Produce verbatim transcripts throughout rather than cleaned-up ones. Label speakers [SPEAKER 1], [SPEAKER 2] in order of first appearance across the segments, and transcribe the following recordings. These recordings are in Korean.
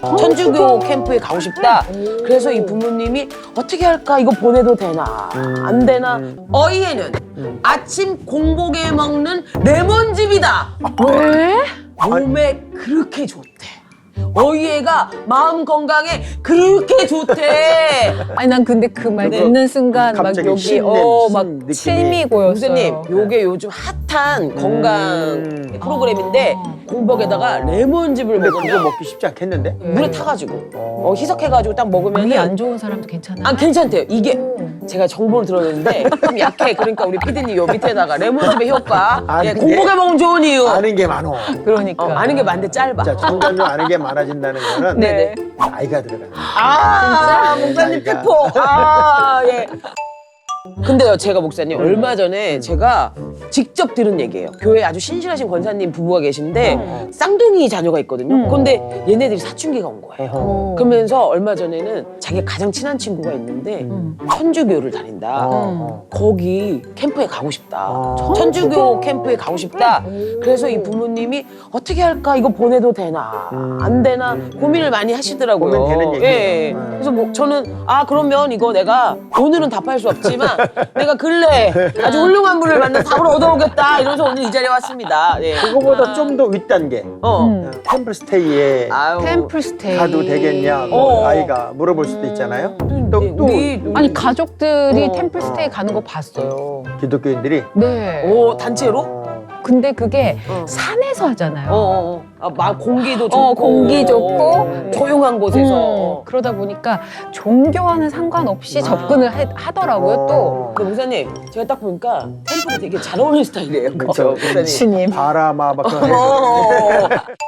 [SPEAKER 1] 천주교 캠프에 가고 싶다. 그래서 이 부모님이 어떻게 할까? 이거 보내도 되나? 안 되나? 어이에는 아침 공복에 먹는 레몬즙이다.
[SPEAKER 2] 왜?
[SPEAKER 1] 몸에 그렇게 좋대. 어이애가 마음 건강에 그렇게 좋대.
[SPEAKER 2] 아니 난 근데 그 말
[SPEAKER 1] 네.
[SPEAKER 2] 듣는 순간 막
[SPEAKER 3] 갑자기
[SPEAKER 2] 여기
[SPEAKER 3] 신낸
[SPEAKER 2] 어막
[SPEAKER 3] 느낌이.
[SPEAKER 2] 침이 고였어요.
[SPEAKER 1] 목사님, 요게 요즘 핫한 건강
[SPEAKER 3] 음.
[SPEAKER 1] 프로그램인데 공복에다가 레몬즙을
[SPEAKER 3] 근데
[SPEAKER 1] 먹으면
[SPEAKER 3] 그거 먹기 쉽지 않겠는데?
[SPEAKER 1] 물에 타가지고 어, 희석해가지고 딱 먹으면
[SPEAKER 2] 몸이 안 좋은 사람도 괜찮아요.
[SPEAKER 1] 아 괜찮대요. 이게 제가 정보를 들었는데 좀 약해. 그러니까 우리 피디님 요 밑에다가 레몬즙의 효과.
[SPEAKER 3] 아,
[SPEAKER 1] 예,
[SPEAKER 3] 근데
[SPEAKER 1] 공복에 먹으면 좋은 이유.
[SPEAKER 3] 아는 게 많어.
[SPEAKER 2] 그러니까.
[SPEAKER 1] 어, 아는 게 많은데 짧아.
[SPEAKER 3] 자, 점점점 아는 게 많아진다는 거는
[SPEAKER 1] 네네.
[SPEAKER 3] 나이가 들어가는 거야.
[SPEAKER 1] 아, 목사님
[SPEAKER 3] 나이가.
[SPEAKER 1] 팩포. 아, 예. 근데요, 제가 목사님 얼마 전에 제가 직접 들은 얘기예요. 교회에 아주 신실하신 권사님 부부가 계신데 쌍둥이 자녀가 있거든요. 근데 얘네들이 사춘기가 온 거예요.
[SPEAKER 2] 어.
[SPEAKER 1] 그러면서 얼마 전에는 자기가 가장 친한 친구가 있는데 천주교를 다닌다.
[SPEAKER 3] 어,
[SPEAKER 1] 거기 캠프에 가고 싶다.
[SPEAKER 3] 어.
[SPEAKER 1] 천주교 캠프에 가고 싶다. 그래서 이 부모님이 어떻게 할까? 이거 보내도 되나? 안 되나? 고민을 많이 하시더라고요.
[SPEAKER 3] 고민되는 얘기예요.
[SPEAKER 1] 예.
[SPEAKER 3] 음.
[SPEAKER 1] 그래서 뭐 저는 아 그러면 이거 내가 오늘은 답할 수 없지만 내가 근래 아주 훌륭한 분을 만나 답을 얻어오겠다. 이러면서 오늘 이 자리에 왔습니다. 예.
[SPEAKER 3] 그거보다 좀 더 윗단계.
[SPEAKER 1] 어.
[SPEAKER 2] 음.
[SPEAKER 3] 템플스테이에
[SPEAKER 1] 아유.
[SPEAKER 2] 템플스테이.
[SPEAKER 3] 가도 되겠냐,
[SPEAKER 1] 어.
[SPEAKER 3] 뭐 아이가 물어볼 수도 있잖아요. 또, 또
[SPEAKER 1] 우리
[SPEAKER 2] 아니 가족들이
[SPEAKER 1] 어.
[SPEAKER 2] 템플스테이 가는 거 봤어요.
[SPEAKER 3] 기독교인들이
[SPEAKER 2] 네.
[SPEAKER 1] 오 단체로?
[SPEAKER 3] 어,
[SPEAKER 2] 근데 그게
[SPEAKER 1] 어.
[SPEAKER 2] 산에서 하잖아요.
[SPEAKER 1] 어, 어, 어. 아, 막 공기도 좋고
[SPEAKER 2] 어, 공기 좋고.
[SPEAKER 1] 어, 조용한 곳에서
[SPEAKER 2] 음, 그러다 보니까 종교와는 상관없이
[SPEAKER 1] 아.
[SPEAKER 2] 접근을 해- 하더라고요. 또
[SPEAKER 3] 어.
[SPEAKER 1] 근데 목사님 제가 딱 보니까 템플이 되게 잘 어울리는 스타일이에요.
[SPEAKER 3] 그렇죠.
[SPEAKER 1] 목사님.
[SPEAKER 2] 신임.
[SPEAKER 3] 바라마 막 그런
[SPEAKER 1] 어.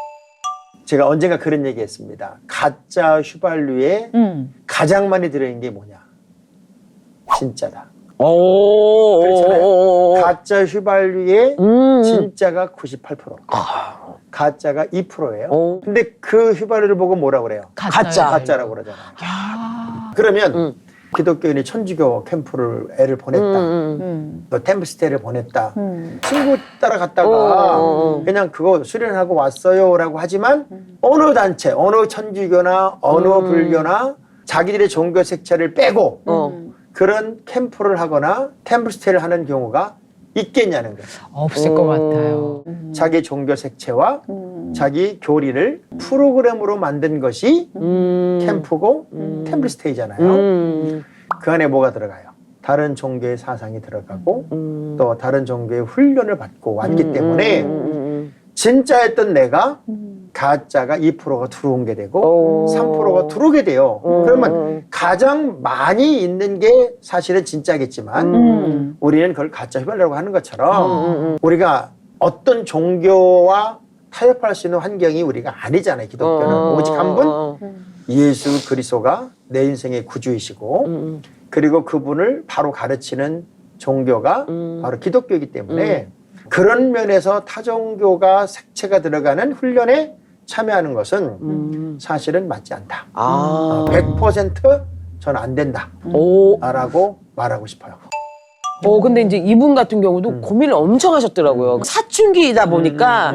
[SPEAKER 3] 제가 언젠가 그런 얘기 했습니다. 가짜 휘발유에
[SPEAKER 2] 음.
[SPEAKER 3] 가장 많이 들어있는 게 뭐냐? 진짜다.
[SPEAKER 1] 오.
[SPEAKER 3] 그렇잖아요. 가짜 휘발유에
[SPEAKER 1] 음.
[SPEAKER 3] 진짜가 구십팔 퍼센트. 가짜가 이 퍼센트예요.
[SPEAKER 1] 어.
[SPEAKER 3] 근데 그 휘발유를 보고 뭐라 그래요?
[SPEAKER 2] 가짜요.
[SPEAKER 1] 가짜.
[SPEAKER 3] 가짜라고 그러잖아요.
[SPEAKER 2] 아.
[SPEAKER 3] 그러면
[SPEAKER 1] 음.
[SPEAKER 3] 기독교인이 천주교 캠프를 애를 보냈다.
[SPEAKER 1] 음.
[SPEAKER 2] 음.
[SPEAKER 3] 또 템플스테이를 보냈다.
[SPEAKER 2] 음.
[SPEAKER 3] 친구 따라갔다가
[SPEAKER 1] 어, 어, 어.
[SPEAKER 3] 그냥 그거 수련하고 왔어요라고 하지만 어느 단체, 어느 천주교나 어느
[SPEAKER 1] 음.
[SPEAKER 3] 불교나 자기들의 종교 색채를 빼고
[SPEAKER 1] 어.
[SPEAKER 3] 그런 캠프를 하거나 템플스테이를 하는 경우가 있겠냐는 거예요.
[SPEAKER 2] 없을 것 같아요.
[SPEAKER 3] 자기 종교 색채와
[SPEAKER 2] 음.
[SPEAKER 3] 자기 교리를 프로그램으로 만든 것이
[SPEAKER 1] 음.
[SPEAKER 3] 캠프고 템플스테이잖아요.
[SPEAKER 1] 음.
[SPEAKER 3] 그 안에 뭐가 들어가요? 다른 종교의 사상이 들어가고
[SPEAKER 1] 음.
[SPEAKER 3] 또 다른 종교의 훈련을 받고 왔기 때문에
[SPEAKER 1] 음. 음.
[SPEAKER 3] 진짜였던 내가 가짜가 이 퍼센트가 들어온 게 되고
[SPEAKER 1] 오.
[SPEAKER 3] 삼 퍼센트가 들어오게 돼요.
[SPEAKER 1] 음.
[SPEAKER 3] 그러면 가장 많이 있는 게 사실은 진짜겠지만
[SPEAKER 2] 음.
[SPEAKER 3] 우리는 그걸 가짜 휘발유라고 하는 것처럼
[SPEAKER 1] 음.
[SPEAKER 3] 우리가 어떤 종교와 타협할 수 있는 환경이 우리가 아니잖아요. 기독교는
[SPEAKER 1] 어.
[SPEAKER 3] 오직 한 분
[SPEAKER 1] 어.
[SPEAKER 3] 예수 그리스도가 내 인생의 구주이시고
[SPEAKER 1] 음.
[SPEAKER 3] 그리고 그분을 바로 가르치는 종교가
[SPEAKER 1] 음.
[SPEAKER 3] 바로 기독교이기 때문에 그런 면에서 타종교가 색채가 들어가는 훈련에 참여하는 것은
[SPEAKER 1] 음.
[SPEAKER 3] 사실은 맞지 않다.
[SPEAKER 1] 아.
[SPEAKER 3] 어, 백 퍼센트 전 안 된다.
[SPEAKER 1] 오.
[SPEAKER 3] 라고 말하고 싶어요.
[SPEAKER 1] 어, 근데 이제 이분 같은 경우도
[SPEAKER 3] 음.
[SPEAKER 1] 고민을 엄청 하셨더라고요. 사춘기이다 보니까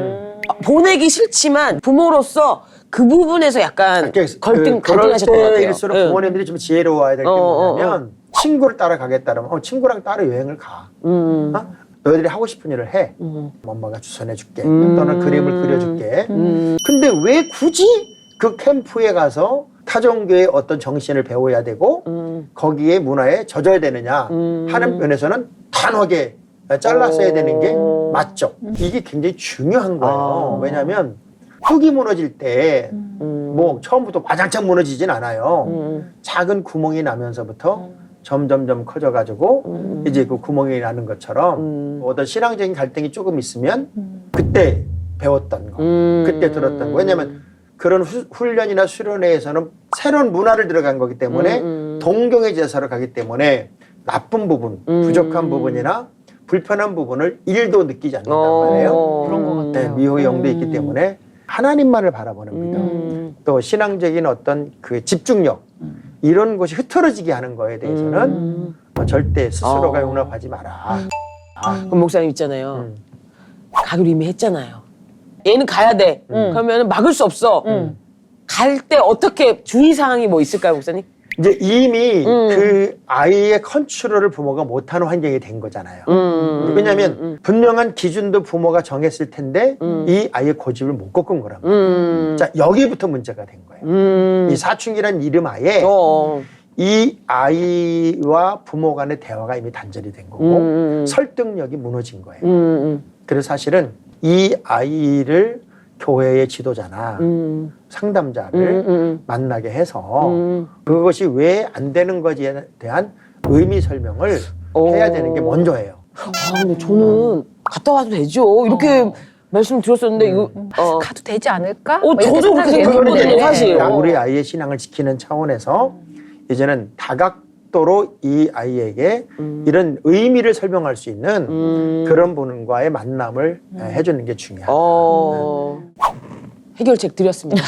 [SPEAKER 1] 보내기 싫지만 부모로서 그 부분에서 약간 걸등,
[SPEAKER 3] 그, 그럴
[SPEAKER 1] 갈등하셨던 것 같아요.
[SPEAKER 3] 때일수록
[SPEAKER 1] 예.
[SPEAKER 3] 부모님들이 좀 지혜로워야 될 게
[SPEAKER 1] 어, 어,
[SPEAKER 3] 뭐냐면 친구를 따라가겠다면 어, 친구랑 따로 여행을 가.
[SPEAKER 1] 음.
[SPEAKER 3] 어? 너희들이 하고 싶은 일을 해.
[SPEAKER 1] 음.
[SPEAKER 3] 엄마가 주선해줄게.
[SPEAKER 1] 음.
[SPEAKER 3] 또는 그림을 그려줄게.
[SPEAKER 1] 음.
[SPEAKER 3] 근데 왜 굳이 그 캠프에 가서 타종교의 어떤 정신을 배워야 되고
[SPEAKER 1] 음.
[SPEAKER 3] 거기에 문화에 젖어야 되느냐
[SPEAKER 1] 음.
[SPEAKER 3] 하는 면에서는 단호하게 잘랐어야 되는 게
[SPEAKER 1] 오.
[SPEAKER 3] 맞죠. 이게 굉장히 중요한 거예요.
[SPEAKER 1] 아.
[SPEAKER 3] 왜냐하면 흙이 무너질 때 뭐
[SPEAKER 1] 음.
[SPEAKER 3] 처음부터 와장창 무너지진 않아요.
[SPEAKER 1] 음.
[SPEAKER 3] 작은 구멍이 나면서부터 점점점 커져가지고
[SPEAKER 1] 음.
[SPEAKER 3] 이제 그 구멍이 나는 것처럼
[SPEAKER 1] 음.
[SPEAKER 3] 어떤 신앙적인 갈등이 조금 있으면 그때 배웠던 거,
[SPEAKER 1] 음.
[SPEAKER 3] 그때 들었던 거. 왜냐하면 그런 후, 훈련이나 수련회에서는 새로운 문화를 들어간 거기 때문에
[SPEAKER 1] 음, 음.
[SPEAKER 3] 동경의 제사로 가기 때문에 나쁜 부분,
[SPEAKER 1] 음.
[SPEAKER 3] 부족한 부분이나 불편한 부분을 일도 느끼지 않는단
[SPEAKER 1] 어.
[SPEAKER 3] 말이에요.
[SPEAKER 2] 그런 것 같아요.
[SPEAKER 3] 네, 미호의 영도 있기 때문에 하나님만을 바라보는 믿음,
[SPEAKER 1] 음.
[SPEAKER 3] 또 신앙적인 어떤 그 집중력 이런 것이 흐트러지게 하는 거에 대해서는
[SPEAKER 1] 음.
[SPEAKER 3] 뭐 절대 스스로가
[SPEAKER 1] 어.
[SPEAKER 3] 용납하지 마라. 아,
[SPEAKER 1] 그럼 목사님 있잖아요.
[SPEAKER 3] 음.
[SPEAKER 1] 가기로 이미 했잖아요. 얘는 가야 돼.
[SPEAKER 3] 음.
[SPEAKER 1] 그러면 막을 수 없어.
[SPEAKER 2] 음.
[SPEAKER 1] 갈 때 어떻게 주의사항이 뭐 있을까요, 목사님?
[SPEAKER 3] 이제 이미
[SPEAKER 1] 음.
[SPEAKER 3] 그 아이의 컨트롤을 부모가 못하는 환경이 된 거잖아요.
[SPEAKER 1] 음.
[SPEAKER 3] 왜냐하면
[SPEAKER 1] 음.
[SPEAKER 3] 분명한 기준도 부모가 정했을 텐데 이 아이의 고집을 못 꺾은 거란 말이에요.
[SPEAKER 1] 음.
[SPEAKER 3] 자, 여기부터 문제가 된 거예요.
[SPEAKER 1] 음.
[SPEAKER 3] 이 사춘기란 이름 하에
[SPEAKER 1] 어.
[SPEAKER 3] 이 아이와 부모 간의 대화가 이미 단절이 된 거고
[SPEAKER 1] 음.
[SPEAKER 3] 설득력이 무너진 거예요.
[SPEAKER 1] 음.
[SPEAKER 3] 그래서 사실은 이 아이를 교회의 지도자나
[SPEAKER 1] 음.
[SPEAKER 3] 상담자를
[SPEAKER 1] 음. 음.
[SPEAKER 3] 만나게 해서
[SPEAKER 1] 음.
[SPEAKER 3] 그것이 왜 안 되는 것에 대한 의미 설명을
[SPEAKER 1] 오.
[SPEAKER 3] 해야 되는 게 먼저예요.
[SPEAKER 1] 아, 근데 저는 갔다 와도 되죠. 이렇게 말씀 드렸었는데 이거 어.
[SPEAKER 2] 가도 되지 않을까?
[SPEAKER 1] 어,
[SPEAKER 2] 뭐 이렇게
[SPEAKER 1] 저도 그렇게
[SPEAKER 2] 생각이
[SPEAKER 1] 생각했거든요,
[SPEAKER 2] 되는데.
[SPEAKER 1] 사실.
[SPEAKER 3] 그러니까 우리 아이의 신앙을 지키는 차원에서 이제는 다각도로 이 아이에게 이런 의미를 설명할 수 있는
[SPEAKER 1] 음.
[SPEAKER 3] 그런 분과의 만남을 해주는 게 중요하다.
[SPEAKER 1] 어. 해결책 드렸습니다.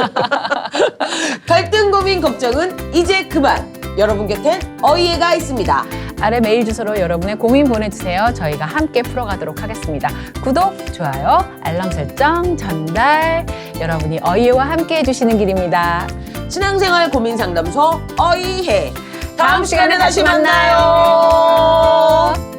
[SPEAKER 1] 갈등, 고민, 걱정은 이제 그만. 여러분 곁엔 어이해가 있습니다.
[SPEAKER 2] 아래 메일 주소로 여러분의 고민 보내주세요. 저희가 함께 풀어가도록 하겠습니다. 구독, 좋아요, 알람 설정, 전달. 여러분이 어이해와 함께 해주시는 길입니다.
[SPEAKER 1] 신앙생활 고민 상담소 어이해. 다음 시간에 다시 만나요.